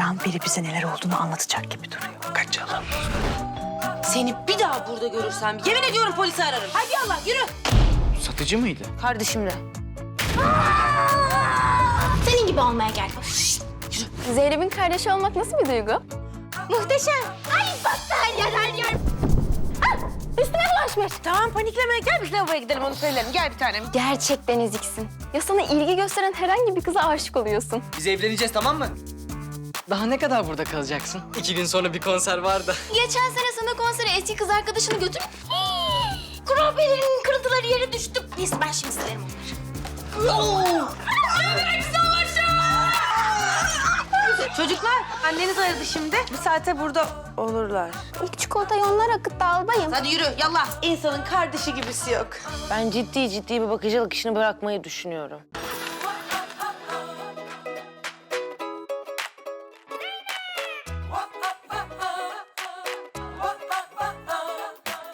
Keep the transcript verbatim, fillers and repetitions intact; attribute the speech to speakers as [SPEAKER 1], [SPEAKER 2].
[SPEAKER 1] an biri bize neler olduğunu anlatacak gibi duruyor. Kaçalım.
[SPEAKER 2] Seni bir daha burada görürsem yemin ediyorum polisi ararım. Hadi Allah yürü.
[SPEAKER 3] Satıcı mıydı?
[SPEAKER 2] Kardeşimle.
[SPEAKER 4] Senin gibi olmaya geldim.
[SPEAKER 5] Zeynep'in kardeşi olmak nasıl bir duygu?
[SPEAKER 4] Muhteşem. Ay baktı her yer her yer. Ah, üstüme bulaşmış.
[SPEAKER 2] Tamam panikleme. Gel biz lavaboya gidelim onu söyleyelim. Gel bir tanem.
[SPEAKER 5] Gerçekten eziksin. Ya sana ilgi gösteren herhangi bir kıza aşık oluyorsun.
[SPEAKER 3] Biz evleneceğiz, tamam mı? Daha ne kadar burada kalacaksın? İki gün sonra bir konser var da.
[SPEAKER 4] Geçen sene sana konsere eski kız arkadaşını götür. Hii, Kurabiyelerinin kırıntıları yere düştü. Neyse ben şimdi silerim onları.
[SPEAKER 2] Çocuklar anneniz aradı şimdi. Bir saate burada olurlar.
[SPEAKER 5] İlk çikolatayı onlar akıttı albayım.
[SPEAKER 2] Hadi yürü yallah.
[SPEAKER 1] İnsanın kardeşi gibisi yok.
[SPEAKER 2] Ben ciddi ciddi bir bakıcılık işini bırakmayı düşünüyorum.